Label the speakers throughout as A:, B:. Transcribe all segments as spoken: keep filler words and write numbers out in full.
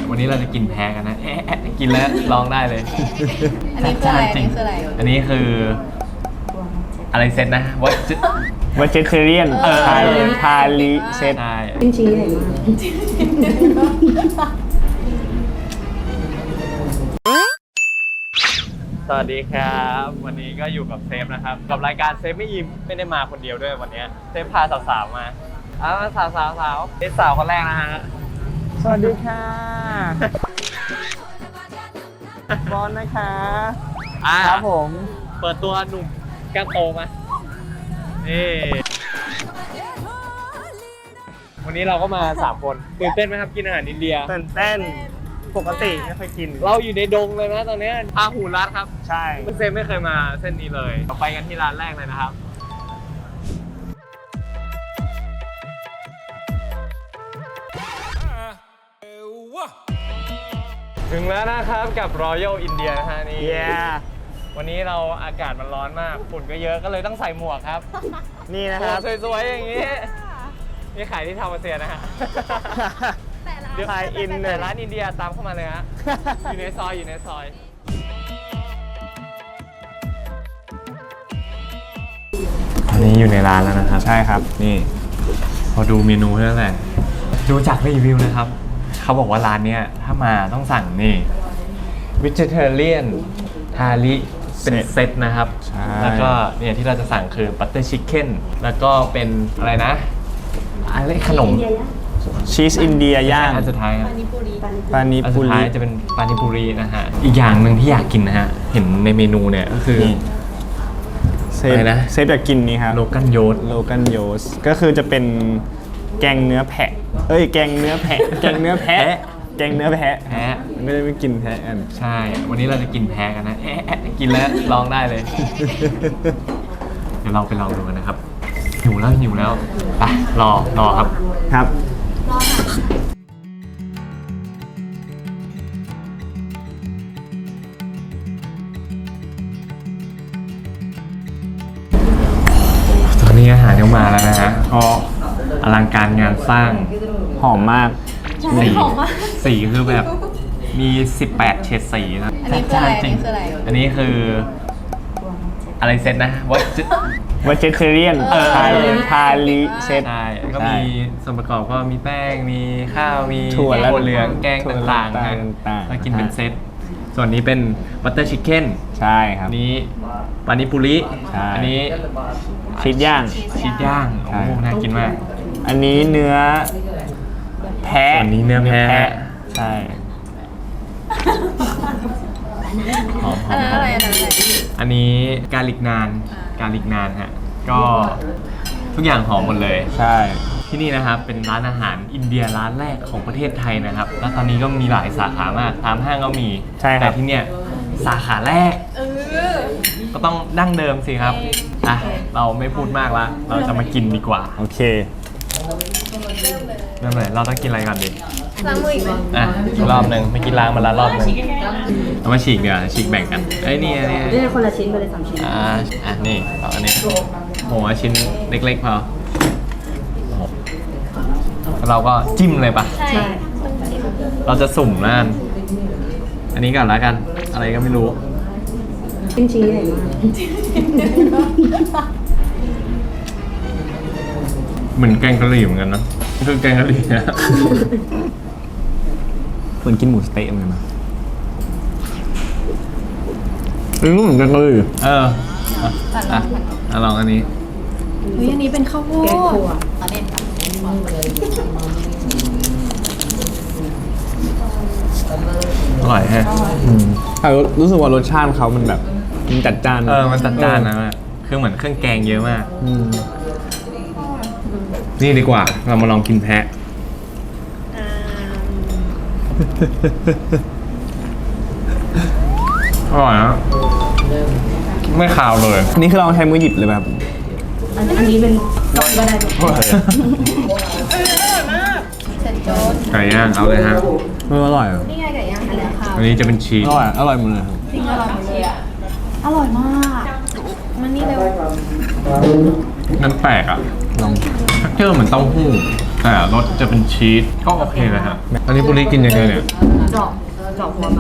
A: วันนี้เราจะกินแพ้กันนะเอ๊ะกินแล้วลองได้เลย
B: อันนี้คืออะไรอันนี้คืออะไร
A: อันนี้คืออะไรเซตนะวัจ
C: วัจเทเรียนพาลิพาลิเซต
A: ใช่
B: เป็นชิ้นใหญ่มาก
A: สวัสดีครับวันนี้ก็อยู่กับเซฟนะครับกับรายการเซฟไม่ยิ้มไม่ได้มาคนเดียวด้วยวันนี้เซฟพาสาวๆมาอ้าวสาวสาวสาวเซฟสาวคนแรกนะฮะ
C: สวัสดีค่ะบอลนะคะ
A: อ่า
C: ครับผม
A: เปิดตัวหนุ่มแก้มโตมานี่วันนี้เราก็มาสามคนตื่นเต้นไหมครับกินอาหารอินเดีย
C: ตื่นเต้นปกติไม่เคยกิน
A: เราอยู่ในดงเลยนะตอนนี้พาหูรัดครับ
C: ใช่
A: เซฟไม่เคยมาเส้นนี้เลยเราไปกันที่ร้านแรกเลยนะครับถึงแล้วนะครับกับ Royal India นะฮะนี่
C: เย้
A: วันนี้เราอากาศมันร้อนมากฝุ่นก็เยอะก็เลยต้องใส่หมวกครับ
C: นี่นะ
A: หม
C: คว รั
A: ก
C: บ
A: สวยๆอย่างนี้นี่ขายที่ทาวน์เซียนะฮะ เดี๋ยว
C: ขายอิน
A: แต่ร้านอินเดียตามเข้ามาเลยฮะ อยู่ในซอยอยู่ในซอยอันนี้อยู่ในร้านแล้วนะครับ
C: ใช่ครับ
A: นี่พอดูเมนูเท่านั้นแหละดูจากรีวิวนะครับ เขาบอกว่าร้านเนี้ยถ้ามาต้องสั่งนี่ Vegetarian ทาลิเป็นเซตนะครับ
C: ใช่
A: แล้วก็เนี่ยที่เราจะสั่งคือ Butter Chicken แล้วก็เป็นอะไรนะอะไรขนม
C: ชีสอินเดียย่าง
A: อันสุดท้ายครับ
B: ปานิปุรี
C: ปานิ
A: อัน
C: ปุ
A: สุดท้า
C: ริ
A: ยจะเป็นปานิปุรีนะฮะ อีกอย่างหนึ่งที่อยากกินนะฮะ เห็นในเมนูเนี่ยก็คือ
C: นี่เซฟ
A: อะไรนะ
C: เซฟอยากกินนี่ครับ
A: โลกันโยด
C: โลกันโยสก็คือจะเป็นแกงเนื้อแพะ เอ้ยแกงเนื้อแพะ แกงเนื้อแพะ แกงเนื้อแพะ
A: แพ้
C: ไม่ได้ไม่กินแพะกัน
A: ใช่ วันนี้เราจะกินแพ้กันนะเอ๊ะกินแล้วลองได้เลย เดี๋ยวเราไปลองดูกันนะครับ หิวแล้วหิวแล้วไปรอรอครับ
C: ครับ
A: ตอนนี้อาหารยังมาแล้วนะฮะก็อลังการงานสร้าง
C: หอมมาก
A: สี
B: หอมมาก
A: สีคือแบบมีสิบแปดเฉดสีนะ
B: อันนี้คืออะไร
A: จริง
B: อันนี้คืออะไร
A: อันนี้คืออะไรเซตนะวัจ
C: วัจเทเรียน
A: เออ
C: พาลิพาลิเซต
A: ใช่ก็
C: ใช่
A: มีส่วนประกอบก็มีแป้งมีข้าวมี
C: ถั่วและ
A: เหลืองแกง
C: ถั่ว
A: ต่างๆนะ
C: ต่างๆ
A: แล้วกินเป็นเซตส่วนนี้เป็นบัตเตอร์ชิคเก้น
C: ใช่ครั
A: อั
C: บ
A: นนี้ปานิปุริ
C: ใช่
A: อันี้
C: ชีสย่าง
A: ชีสย่าง
C: ใช่
A: โอ้โหน่ากินมาก
C: อันนี้เนื้อแพะ
A: ส่วนนี้เนื้อแพะ
C: ใช่
A: หอม
B: อันนั้นอะไรอันนั้นอะไร
A: อันนี้กาลิกนานกาลิกนานฮะก็ทุกอย่างหอมหมดเลย
C: ใช่
A: ที่นี่นะครับเป็นร้านอาหารอินเดียร้านแรกของประเทศไทยนะครับ แล้วตอนนี้ก็มีหลายสาขามากตามห้างก็มี
C: ใช่ค
A: แต่
C: รับ
A: ที่เนี่ยสาขาแรก
B: เออ
A: ก็ต้องดั้งเดิมสิครับอ่ะเราไม่พูดมากละเราจะมากินดีกว่า
C: โอเค
A: เริ่มเลยเราต้องกินอะไรก่อนดี
B: ล้างมืออีกไหม
A: อ่ะรอบหนึ่งไม่กินล้างมาละรอบหนึ่งเอามาฉีกเดี๋ยวาฉีกแบ่งกันเอ้ยนี่อันนี่
B: นี่คนละชิ้นไปเลยสามชิ้น
A: อ่าอ่ะนี่เอาอันนี้โหเอาชิ้นเล็กๆพอโอ้โหแล้วเราก็จิ้มเลยปะ
B: ใช่
A: เราจะสุ่มนะอันนี้ก่อนแล้วกัน อะไรก็ไม่รู้
B: เป็นชิ้นใหญ่มาก
A: เหมือนแกงกะหรี่เหมือนกันนะคือแกงกะหรี่นะ
C: เหมือนกินหมูสเต๊ะเหมือนกันนะเอ้ยเหมือนกันเลย
A: เอออ่ะอ่ะอ่ะลองอันนี้
B: เฮ้ยอันนี้เป็นข้าวโพดแกงถั่วอันนี้
A: อร่อยแฮะ
C: แต่รู้สึกว่ารสชาติเขามันแบบมันจัดจ้าน
A: เออ มันจัดจ้านนะคือเหมือนเครื่องแกงเยอะมาก
C: อืม
A: นี่ดีกว่า เรามาลองกินแพะ อร่อยนะไม่คาวเลย
C: นี่คือเราใช้มือหยิบเลยแบบ
B: อันอันนี้เป็นซอสก็ได้เสร็จโจ๊ด
A: ไก่ย่างเอาเลยฮะ
C: เอออร่อยอ่ะ
B: นี่ไงไก่ย่างอันนี้ค่ะ
A: อันนี้จะเป็นชีส
C: อร่อยอร่อยหมดเลยครับ
B: จริงอร่อยมากเลยอะอร่อยมากมันนี่เร็ว
A: นั่นแปลกอ่ะ
C: ลอง
A: เจอเหมือนเต้าหู้ แต่แต่รสจะเป็นชีสก็โอเคนะฮะอันนี้บุรีกินยังไงเนี่ย
B: เจาะเจาะหัวมัน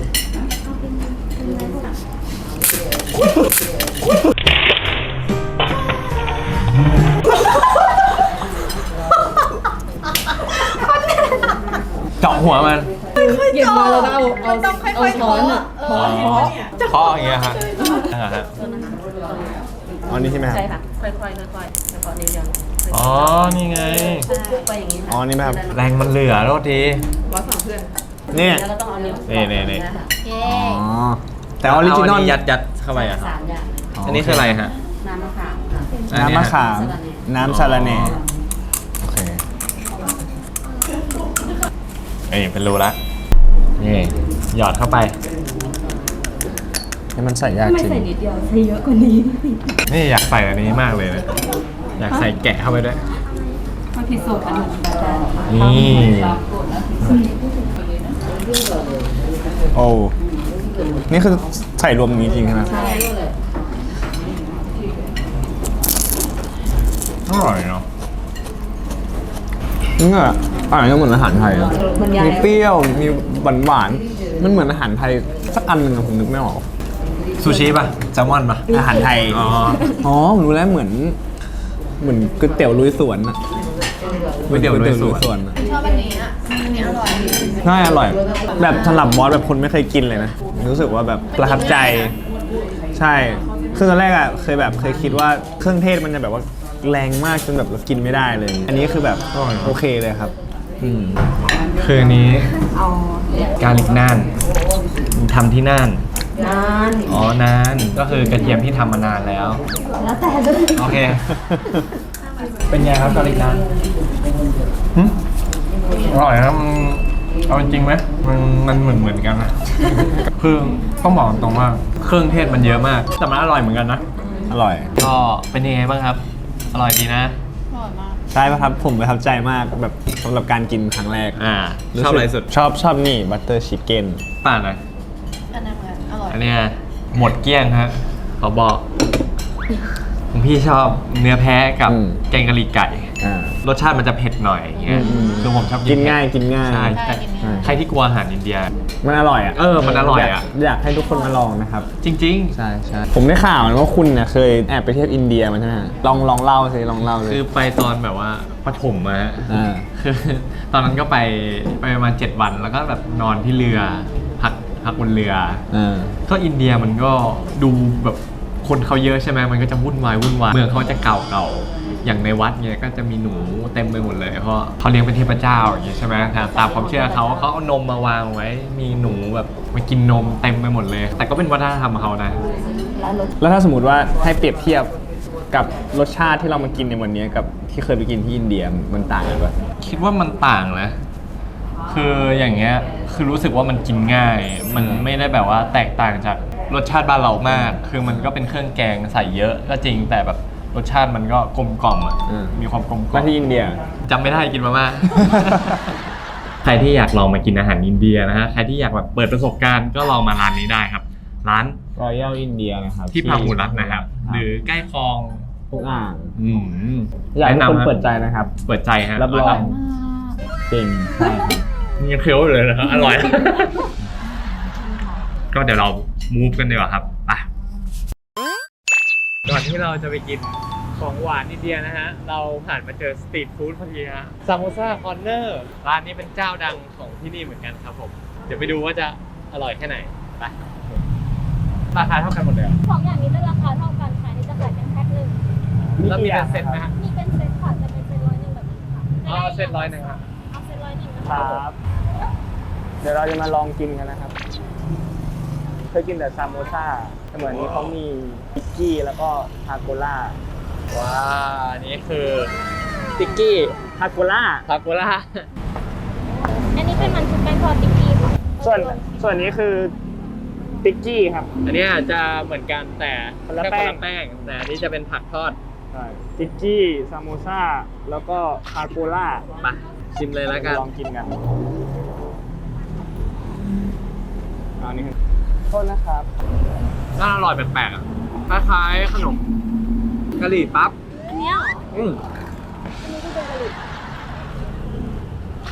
A: เจาะหัวมัน
B: หยิบมาแล้วก็เอาเอาเอาช้อนอ่ะ
A: อ๋อเคาะอย่างเงี้ยฮะอ่าฮะ
C: อ๋อนี่ใช่ไหมครับ
B: ใช่ค่ะค่อยๆค่อยๆค่อยๆค่อยๆนิ้วยัง
A: อ๋อนี่ไง
B: ปุ๊บไปอย่างนี้
C: อ๋อนี่ไหมครับ
A: แรงมันเหลือโทษที
B: ร้อยสองเพื่อน
C: เนี่ย
B: แล้วก็ต้องเอานิ้ว
A: นี่นี่นี่
B: เย้
C: อ๋อแต่ออริจินอล
A: เายัดยัดเข้าไปอะครับ
B: สามอย่าง
A: อันนี้คืออะไรฮะ
B: น้ำมะขามค่ะ
C: น้ำมะขามน้ำซาลาเน่โอเค
A: เอ้ยเป็นรูละนี่หยอดเข้าไป
C: ให้มันใส่ยาก
B: ไม่
C: จริง
B: ใส่นิดเดียวใส่เยอะกว่านี้
A: นี่อยากใส่อันนี้มากเลยนะอยากใส่แกะเข้าไปด้วย
B: มันผิดสูตรกันหนึ่งแต่
A: นี่
C: โอ้นี่คือใส่รวมนี้จริงใช่ไหม
B: ใช่
A: อร่อยเนาะ
C: นี่ก็อาหารก็เหมือนอาหารไทยอะ
B: มันยา
C: มี
B: ย
C: เปรี้ยว มีหวานหวานๆมันเหมือนอาหารไทยสักอันหนึ่งอะผมนึกไม่ออก
A: ซูชิป่ะแซลมอนป่ะ
C: อาหารไทย
A: อ๋อ
C: อ๋อผมรู้แล้วเหมือน เหมือนก๋วยเตี๋ยวลุยสวนอะ
A: ก๋วยเตี๋ยวลุยสวน
C: ก๋อะ
B: ชอบอันนี้อ่ะอันนี้อร่อย
C: น่าอร่อย แบบสำหรับบอสแบบคนไม่เคยกินเลยนะ รู้สึกว่าแบบประทับใจ ใช่ คือตอนแรกอะเคยแบบเคยคิดว่าเครื่องเทศมันจะแบบว่าแรงมากจนแบบเรากินไม่ได้เลย อันนี้คือแบบโอเคเลยครับ อืม
A: คืออันนี้
B: เอา
A: กาลิกน่านทำที่น่าน
B: นาน
A: อ๋อนานก็คือกระเทียมที่ทำมานานแล้ว
B: แล้วแต่เลย
A: โอเค เป็นไงครับกาลิกน่านหึอร่อยนะมันเอาจริงไหมมันมันเหมือนเหมือนกันนะ คือต้องบอกตรงว่าเครื่องเทศมันเยอะมาก แต่มันอร่อยเหมือนกันนะ
C: อร่อย
A: ก็เป็นยังไงบ้างครับ อร่อยดีนะ
C: ใช่ป่ะครับ ผมประทับใจมากแบบสำหรับการกินครั้งแรก
A: อ่าชอบอะไรสุด
C: ชอบชอบนี่บัตเตอร์ชิคเก้น
A: ป่าหน่อย
B: อันนั้นเหมือนอร่อย
A: อันเนี้ยหมดเกลี้ยงฮะขอบอกผมพี่ชอบเนื้อแพะกับแกงกะหรี่ไก่
C: อ่าร
A: สชาติมันจะเผ็ดหน่อยอย่างเงี้ย
C: อืม
A: คือผมชอบ
C: กิน
A: เผ็ด
C: ง่ายกินง่าย
A: ใช่แต่ใครที่กลัวอาหารอินเดีย
C: มันอร่อยอ่ะ
A: เออมันอร่อยอะ
C: ากอยากให้ทุกคนมาลองนะครับ
A: จริง
C: ใช่ใช่ผมได้ข่าวนะว่าคุณเนี่ยเคยแอบไปเที่ยวอินเดียมาใช่ไหมลองลองเล่าสิลองเล่าเล
A: ๆ
C: ย
A: คือไปตอนแบบว่าปฐมมาฮะ
C: อ่า
A: คือตอนนั้นก็ไปไปประมาณเจ็ดวันแล้วก็แบบนอนที่เรือพักพักบนเรือ
C: อ่า
A: ก็อินเดียมันก็ดูแบบคนเขาเยอะใช่ไหมมันก็จะวุ่นวายวุ่นวายเมืองเขาจะเก่าเก่าอย่างในวัดเนี่ยก็จะมีหนูเต็มไปหมดเลยเพราะเขาเลี้ยงเป็นเทพเจ้าอย่างเงี้ยใช่ไหมครับตามความเชื่อเขาเขาเอานมมาวางไว้ มีหนูแบบมากินนมเต็มไปหมดเลย แต่ก็เป็นวัฒนธรรมของเขานะ
B: แล้วรส
C: แล้วถ้าสมมติว่าให้เปรียบเทียบกับรสชาติที่เรามากินในวันนี้กับที่เคยไปกินที่อินเดียมันต่างกันปะ
A: คิดว่ามันต่างนะ คืออย่างเงี้ย คือรู้สึกว่ามันกินง่าย มันไม่ได้แบบว่าแตกต่างจากรสชาติบ้านเรามาก คือมันก็เป็นเครื่องแกงใส่เยอะก็จริง แต่แบบรสชาติมันก็กลมกล่อมอ่ะ มีความกลมกล่อ
C: มาม ที่อินเดีย
A: จำไม่ได้กินมาม่า ใครที่อยากลองมากินอาหารอินเดียนะฮะ ใครที่อยากแบบเปิดประสบการณ์ก็ลองมาร้านนี้ได้ครับ ร้าน
C: รอยัลอินเดียนะครับ
A: ที่พาหุรัตน์นะครับ หรือใกล้คลอง
C: ทุกอ่าง
A: อืม
C: อยากให้ทุกคน
A: แะำฮะ
C: เปิดใจนะครับ
A: เปิดใจฮะ
C: รับรอง
A: แล้วก็
C: จริงใช่ครับ
A: นี่ยังเคี้ยวอยู่เลยนะครับอร่อย ก็เดี๋ยวเรามูฟกันดีกว่าครับไปก่อนที่เราจะไปกินของหวานอินเดียนะฮะ เราผ่านมาเจอสตรีทฟู้ดพอดีฮะซามโมซาคอร์เนอร์ร้านนี้เป็นเจ้าดังของที่นี่เหมือนกันครับผม เดี๋ยวไปดูว่าจะอร่อยแค่ไหนไปราคาเท่ากันหมดเลยเหรอ
D: ของอย่างนี้จะราคาเท่ากันค่ะนี่จะขายเป็นแพ็คหนึ่ง
A: แล้วมีเป็นเซ็ตไหมฮะ
D: มีเป็นเซ็ตค่ะจะเป็นเซ็ตร้อยหนึ่งแบบนี้ค่ะ
A: อ๋อเซ็ตร้อยหนึ่งครับ
D: เอาเซ็ตร้อยหนึ่งนะ
C: ค
D: คะ
C: รับ เดี๋ยวเราจะมาลองกินกันนะครับ เคยกินแต่ซามโมซ่าแต่เหมือนนี้เขามีพิกกี้แล้วก็ทาโกล่า
A: ว้าอันนี้คือ
C: พิกกี้ทาโกล่า
A: ทาโกล่า
D: อันนี้เป็นมันชุบแป้งทอดติ๊กกี้ค่ะ
C: ส่วนส่วนนี้คือพิกกี้ครับ
A: อันนี้อาจจะเหมือนกันแต่
C: คนละ
A: ค่
C: แป้ง
A: แป้ง แต่อันนี้จะเป็นผักทอด
C: พิกกี้ซามโมซ่าแล้วก็ทาโกล่า
A: ไปชิมเลยแล้วกัน
C: ลองกินกันอันนี้โทษนะครับ
A: น่าอร่อยแปลกๆอ่ะคล้ายๆขนมกะหรี่ปั๊บ
D: อันเนี้ยเหรอ
A: อืม
D: อันนี้ก็เป็นกะหรี่
A: อ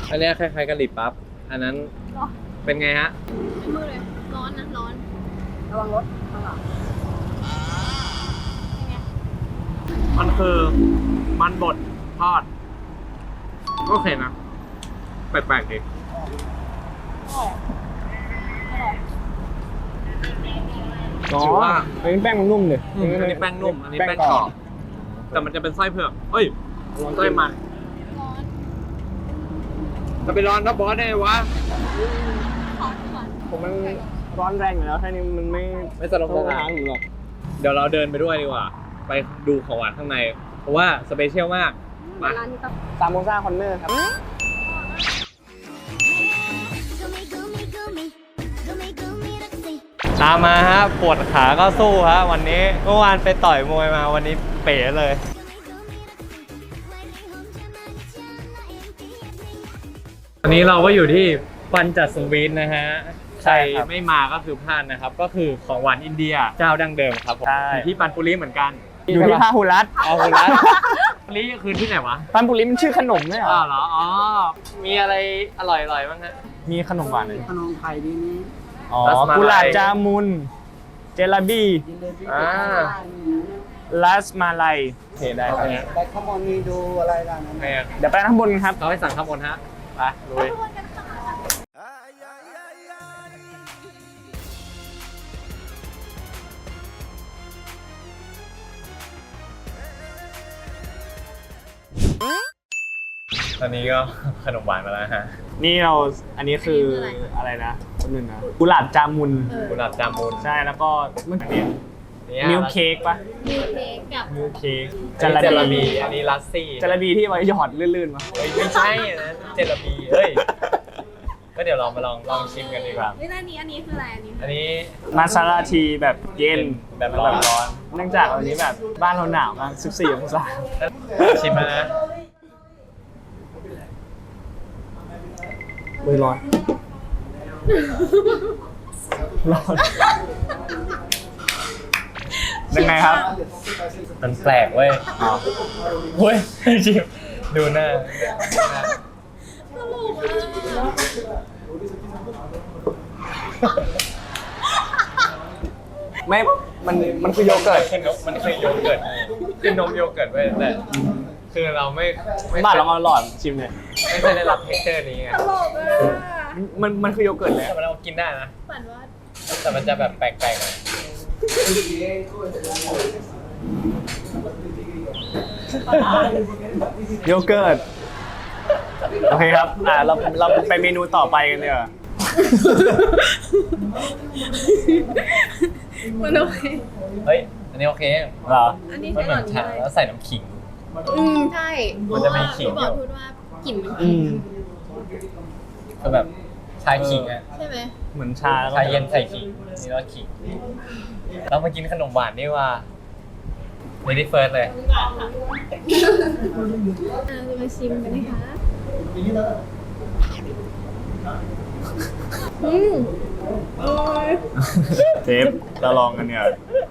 A: อันเนี้ยคล้ายๆกะหรี่ปั๊บอันนั้นเป็นไงฮะ
D: ไม่มือเลย ร้อนนะ ร้อน
B: ระวังรถข้างหลัง
D: ยังไง
A: มันคือมันบดทอดโอเคนะแปลกๆดี
C: อ๋อ
A: ถือว่า
C: อันนี้แป้งมันนุ่มเลย
A: อืมอันนี้แป้งนุ่มอันนี้แป้งกรอบแต่มันจะเป็นไส้เผือกเอ้ยไส้มัน
D: ร้อน
A: จะไปร้อนนะบอสได้ไงวะ
D: ขอก่อน
C: ผมมันร้อนแรงอยู่แล้วแค่นี้มันไม่
A: ไม่สลบสลาย
C: หรอก
A: เดี๋ยวเราเดินไปด้วยดีกว่า ไปดูของหวานข้างใน เพราะว่าสเปเชียลมากมา
D: ร้านนี้ต้อง
C: ซามโมซ่าคอนเนอร์ครับ
A: ตามมาฮะปวดขาก็สู้ฮะวันนี้เมื่อวานไปต่อยมวยมาวันนี้เป๋เลย อันนี้เราก็อยู่ที่ปัญจสวีทนะฮะ ใครไม่มาก็คือพลาดนะครับ ก็คือของหวานอินเดียเจ้าดั้งเดิมครับผม
C: ใช่
A: อยู่ที่ปันปุรีเหมือนกัน
C: อยู่ที่พาหุรัต
A: อ๋อคุณรัตปุรีคือที่ไหนวะ
C: ปันปุริมันชื่อขนมไหมเหร
A: อ๋อ
C: อ
A: เหรอ อ๋อ มีอะไรอร่อยๆบ้างฮะ
C: มีขนมหวานเลย
B: ขนมไทยดีนี้
C: อ๋อ
A: รัสมาลัย
C: กุหลาบจามุน เจลาบี้
B: ยินดีที่
A: อ่า
C: ลัสมาลัยโอเคได้ครับ
B: ไปข้างบนมีดูอะไรล่ะนั่น
A: โอเค
C: เดี๋ยวไปข้างบนกันครับ
A: เราให้สั่งข้าวบนฮะ ไปลุย ตอนนี้ก็ ขนมหวานมาแล้วฮะ
C: นี่เราอันนี้คืออะไรนะคนหนึ่งนะกุหลาบจามุน
A: กุหลาบจามุน
C: ใช่แล้วก็เมื่อกี้
A: เนี่ย
C: มิลค์เค้กปะ
D: มีเค้กกับ
C: มิลค์เค้ก
A: เจลาบีอันนี้ลัสซี่
C: จาระบีที่ไว้หยอดลื่นๆมา
A: เฮ้ยไม่ใช่นะเจลาบีเฮ้ย ก็เดี๋ยวลองมาลองลองชิมกันดีกว่า
D: เฮ้ยแล้วอันนี้ อันนี้คืออะไร อันนี้
A: อันนี้
C: มาซาลาทีแบบเย็น
A: แบบร้อน
C: แบบร้อน เนื่องจากวันนี้แบบบ้านเราหนาวมากสิบสี่องศา
A: ชิมแล้วนะ
C: มือร้อน ร้อน ยังไงครับ
A: มันแปลกเว้ยอ๋อเว้ยชิมดูหน้าดูหน้า
D: ตลกอ่ะ
C: ไม่ มัน มันคือโยเกิร์ต
A: คือนมมันคือโยเกิร์ตคือนมโยเกิร์ตเว้ยแต่คือเราไม่ไม่
C: บ้านเรามาหลอดชิมเลย
A: ไม่เคยได้รับเท็กเจอร์นี้ไง
D: ตลกอ่ะ
C: มัน มันคือโยเกิร์ตเลย
A: แต่มันเรากินได้นะ
D: ฝันว่า
A: แต่มันจะแบบแปลกๆหน่อย
C: โยเกิร์ต โอเคครับ อ่า เรา เราไปเมนูต่อไปกันเดี๋ยวา
D: มันโอเค
A: เฮ้ย อันนี้โอเค
C: เหรอ
D: อันนี้
A: มัน
D: ใช่
A: เห
D: หร
A: มื
D: อ
A: อน
D: นี่
A: ชาแล้วใส่น้ำขิง
D: อืมใช่
A: มันจะมีขิง
D: บ
A: อยู่
D: อกพูดว่ากลิ่นมัน
C: อืม
A: คือแบบชาขิงอะ
D: ใช่ไหม
C: เหมือนชาแล้วก็
A: ชาเย็นใส่ขิงนี่แล้วขิง เรามากินขนมหวานนี่ว่าเ e ดี้เฟิร์สเลย
D: อ่าจะมาชิมกันนะคะอืมโอ้ย
C: เทปเราลองกันเนี่ย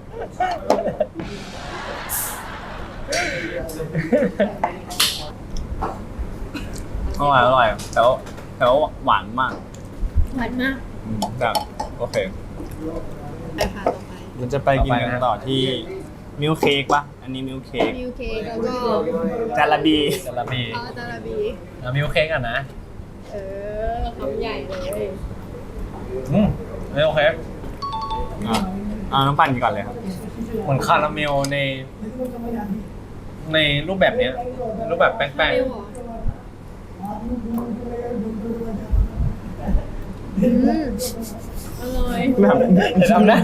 C: อร่อยอร่อยแต่ว่าแต่ว่าหวานมาก
D: หวานมาก
C: อืมแบบโอเค
D: ไปค่ะต่อไป
C: มันจะไปกินกันต่อที่มิลค์เค้กปะอันนี้มิลค์เค้ก
D: มิลเค้กแล้วก็
C: จาระบี
A: จาระบี
D: อ๋อจาระบี
A: แล้วมิลค์เค้กอ่ะนะ
D: เออคำใหญ่เลย
A: อืมไม่โอเค
C: อ่ะเอาน้ำปั่นก่อนเลยครับ
A: เหมือนคาราเมลใน ในรูปแบบเนี้ย รูปแบบแป้ง
D: ไม่หรออืมอร่อย
C: แบบ
A: ๆจะทำได้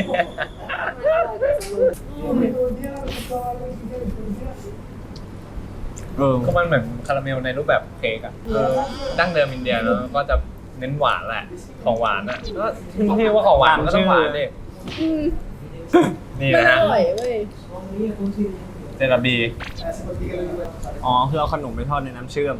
C: เออ
A: ก็มันเหมือนคาราเมลในรูปแบบเค้กอ่ะเออดั้งเดิมอินเดียเนอะก็จะเน้นหวานแหละ ของหวานอ่ะก็ที่ว่าของหวานก็ต้องหวานดิ
D: อืม
A: นี่
D: มัน
A: นะ
D: อ
A: ฮะ
D: ร่อยเว้ย
A: เจลาบี
C: อ๋อคือเอาขนมไปทอดในน้ำเชื่อม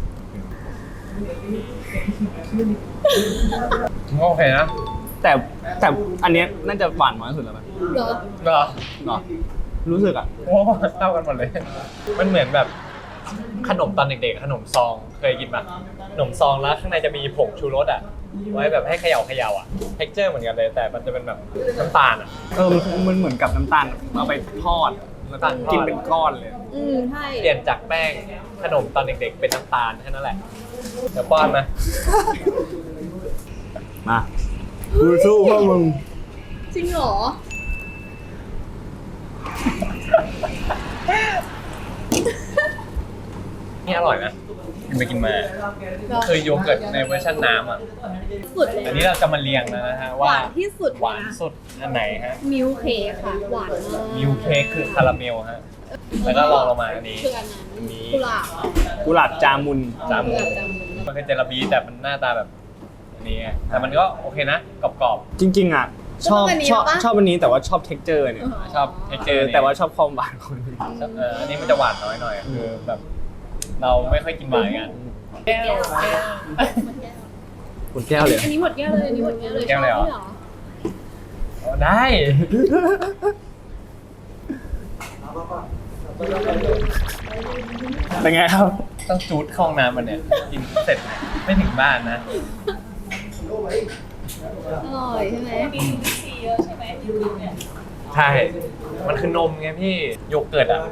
A: ก็โอเคนะ
C: แต่แต่อันเนี้ยน่าจะหวานน้อยสุดแล้วมั้ย
D: เหรอ
A: เหรอ
C: เนาะรู้สึกอ่ะ
A: โอ้เข้ากันหมดเลย มันเหมือนแบบขนมตอนเด็กๆขนมซองเคยกินปะขนมซองแล้วข้างในจะมีผงชูรสอ่ะไว้แบบให้เขย่าเขย่าอ่ะเท็กเจอร์เหมือนกันเลยแต่มันจะเป็นแบบน้ำตาลอ่ะ
C: เออมันเหมือนกับน้ำตาลเอาไปทอดแล้วก็กินเป็นก้อนเลย
B: อืมใช่
A: เปลี่ยนจากแป้งขนมตอนเด็กๆเป็นน้ำตาลแค่นั้นแหละเดี๋ยวป้อนมา
C: มากูสู้พวกมึง
B: จริงเหรอ
A: นี่อร่อยนะกินไปกินมาคือโยเกิร์ตในเวอร์ชันน้ำอ่ะ
B: สุดเลย
A: อันนี้เราจะมาเรียงแล้วนะฮะ
B: ห
A: ว่าว
B: านที่สุด
A: หวานสุดอันไหนฮะ
B: มิลค์เค้กค่ะ หวานมาก
A: มิลค์เค้กคือคาราเมลฮะแล้วก็ลองลงมาอันนี้
B: คืออันนั้น
A: อันนี้
B: กุหลาบ
C: กุหลาบจามุน
A: จามุ
B: กุห
A: น
B: ลาบจามุน
A: มันคือเจลาบีแต่มันหน้าตาแบบอันนี้ไงแต่มันก็โอเคนะกรอบ
C: จริงๆอ่ะชอบชอบชอบอันนี้แต่ว่าชอบเท็กเจอร์เนี่ย
A: ๆชอบเท็กเจ
C: เอ
A: อ
C: อ
A: ร์
C: แต่ว่าชอบความหวานของมัน
A: เอออันนี้มันจะหวานน้อยหน่อยคือแบบ เราไม่ค่อยกินหวานกันแก้วแก้ว
C: หมดแก้วเลย
B: อันนี้หมดแก้วเลยอันนี้หมดแก้วเลย
A: แก้วเลยเหรอ
B: ชบไหม
A: เอาได้
C: เป็นไงครับ
A: ต้องจูดเข้าห้องน้ำมันเนี่ยกินเสร็จไม่ถึงบ้านนะ
B: อร่อยใช่ไหม
A: ใช่ มันคือนมไงพี่โยเกิร์ตอ่ะ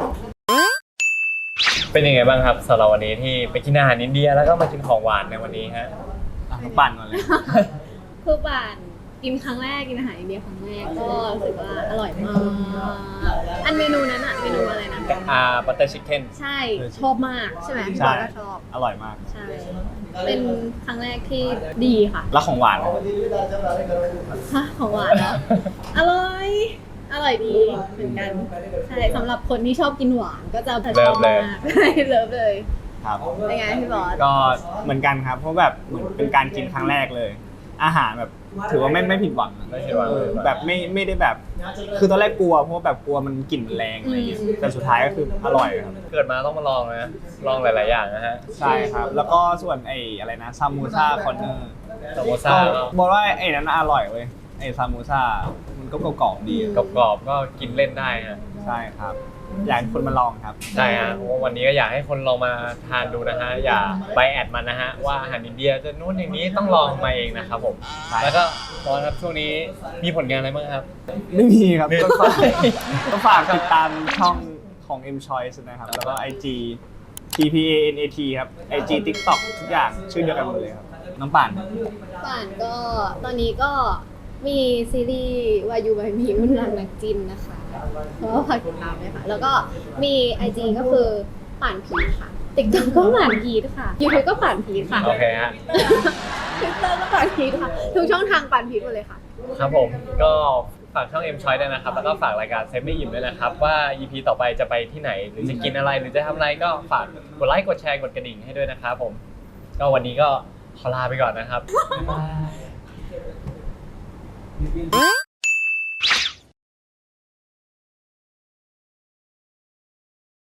A: เป็นยังไงบ้างครับสำหรับวันนี้ที่ไปกินอาหารอินเดียแล้วก็มากินของหวานในวันนี้ฮะ
C: อ่ะปั่นก่อนเลย
B: คือป่านกินครั้งแรกกินอาหารอินเดียครั้งแรกก็รู้สึกว่าอร่อยมาก อันเมนูนั้นอะเมนูอะไรนะ
A: อ่าบัตเตอร์ชิคเก้น
B: ใช่ชอบมากใช่ไหมพี่บ
C: ใช่
B: อลก็ชอบ
C: อร่อยมาก
B: ใช่ เป็นครั้งแรกที่ดีค่ะ
C: แล้วของหวาน
B: ฮะของหวานเหรอ อร่อย อร่อยดีเหมือนกัน ใช่สำหรับคนที่ชอบกินหวานก็จะชอบมากใช่เลิฟเลย
C: ครับ
B: เป็นไงพี่บอส
C: ก็เหมือนกันครับ เพราะแบบเหมือนเป็นการกินครั้งแรกเลย อาหารแบบถือว่าไม่ไม่ผิดหวัง
A: ไม่ผิดหวัง
C: เออแบบไม่ไม่ได้แบบ คือตอนแรกกลัวเพราะว่าแบบกลัวมันกลิ่นมันแรงอะไรอย่างเงี้ยแต่สุดท้ายก็คืออร่อยครับ
A: เกิดมาต้องมาลองนะ ลองหลาย ๆ อย่างนะฮะ
C: ใช่ครับ แล้วก็ส่วนไอ้อะไรนะซามูซ่าคอนเนอร์
A: ซาโมซ่าก็
C: บอกว่าไอ้นั้นอร่อยเว้ยไอ้ซามูซ่ามันก็กรอบๆดี
A: กรอบ ๆ ก็กินเล่นได้ฮะ
C: ใช่ครับ อยากให้คนมาลองครับ
A: ใช่ฮะเพราะว่าวันนี้ก็อยากให้คนลองมาทานดูนะฮะ อย่าไปแอดมันนะฮะ ว่าอาหารอินเดียจะนู่นอย่างนี้ต้องลองมาเองนะครับผม
C: ใช่
A: แล้วก็ตอนครับช่วงนี้มีผลงานอะไรบ้างครับ
C: ไม่มีครับ
A: ไม่
C: ก็ฝากก็ฝากติดตามช่องของ M Choice นะครับ แล้วก็ ไอ จี T P A N A T ครับ ไอ จี TikTok ทุกอย่างชื่อเดียวกันหมดเลยครับ น้องป่าน
B: ป่านก็ตอนนี้ก็มีซีรีส์วายูบายมีรุ่นรังนักจินนะคะเพราะว่าฝากติดตามเลยค่ะ แล้วก็มี ไอ จี ก็คือป่านพีทค่ะ TikTok ก็ป่านพีทค่ะ YouTube ก็ป่านพีทค่ะ
A: โอเคฮะ
B: Twitter ก็ป่านพีทค่ะ ทุกช่องทางป่านพีทหมดเลยค่ะ
A: ครับผมก็ฝากช่อง M Choice ด้วยนะครับ แล้วก็ฝากรายการเซฟไม่อิ่มด้วยนะครับ ว่า อี พี ต่อไปจะไปที่ไหน หรือจะกินอะไรหรือจะทำอะไรก็ฝากกดไลค์กดแชร์กดกระดิ่งให้ด้วยนะครับผม ก็วันนี้ก็ขอลาไปก่อนนะครับ